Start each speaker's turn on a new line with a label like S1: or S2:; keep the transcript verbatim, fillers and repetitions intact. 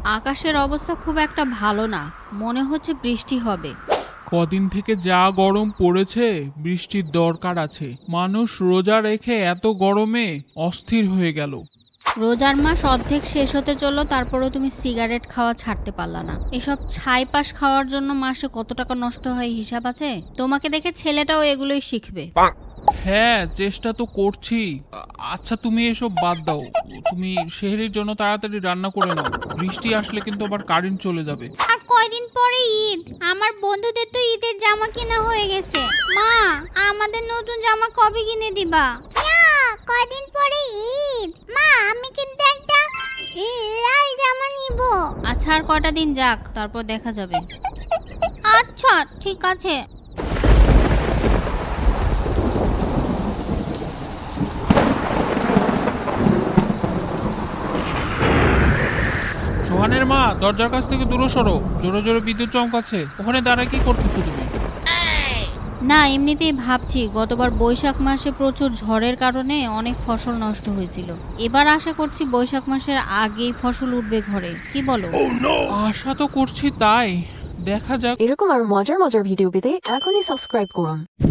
S1: আকাশের অবস্থা খুব একটা ভালো না, মনে হচ্ছে বৃষ্টি হবে।
S2: কদিন থেকে যা গরম পড়েছে, বৃষ্টির দরকার আছে। মানুষ রোজা রেখে এত গরমে অস্থির হয়ে গেল।
S1: রোজার মাস অর্ধেক শেষ হতে চললো, তারপরেও তুমি সিগারেট খাওয়া ছাড়তে পারলা না। এসব ছাইপাশ খাওয়ার জন্য মাসে কত টাকা নষ্ট হয় হিসাব আছে? তোমাকে দেখে ছেলেটাও এগুলোই শিখবে।
S2: হ্যাঁ, চেষ্টা তো করছি। আ- আচ্ছা, তুমি এসব বাদ দাও। তুমি সেহরির জন্য তাড়াতাড়ি রান্না করে নাও। বৃষ্টি আসলে কিন্তু আবার কারেন্ট চলে যাবে।
S3: আর কয়দিন পরে ঈদ, আমার বন্ধুদের তো ঈদের জামা কেনা হয়ে গেছে। মা, আমাদের নতুন জামা কবে কিনে দিবা? ইয়া, কয়দিন পরে ঈদ। মা, আমি কিন্তু একটা লাল জামা নিব।
S1: আচ্ছা, আর কয়টা দিন যাক, তারপর দেখা যাবে।
S3: আচ্ছা, ঠিক আছে।
S2: সোহানের মা, দরজার কাছ থেকে দূরে সরো। জোরে জোরে বিদ্যুৎ চমকাচ্ছে। ওখানে দাঁড়ায় কি করতেছো তুমি?
S1: না, এমনিতেই ভাবছি গতবার বৈশাখ মাসে প্রচুর ঝড়ের কারণে অনেক ফসল নষ্ট হয়েছিল। এবার আশা করছি বৈশাখ মাসের আগেই ফসল উঠবে ঘরে, কি বলো?
S2: আশা তো করছি তাই। দেখা যাক।
S4: এরকম আরো মজার মজার ভিডিও পেতে এখনই সাবস্ক্রাইব করুন।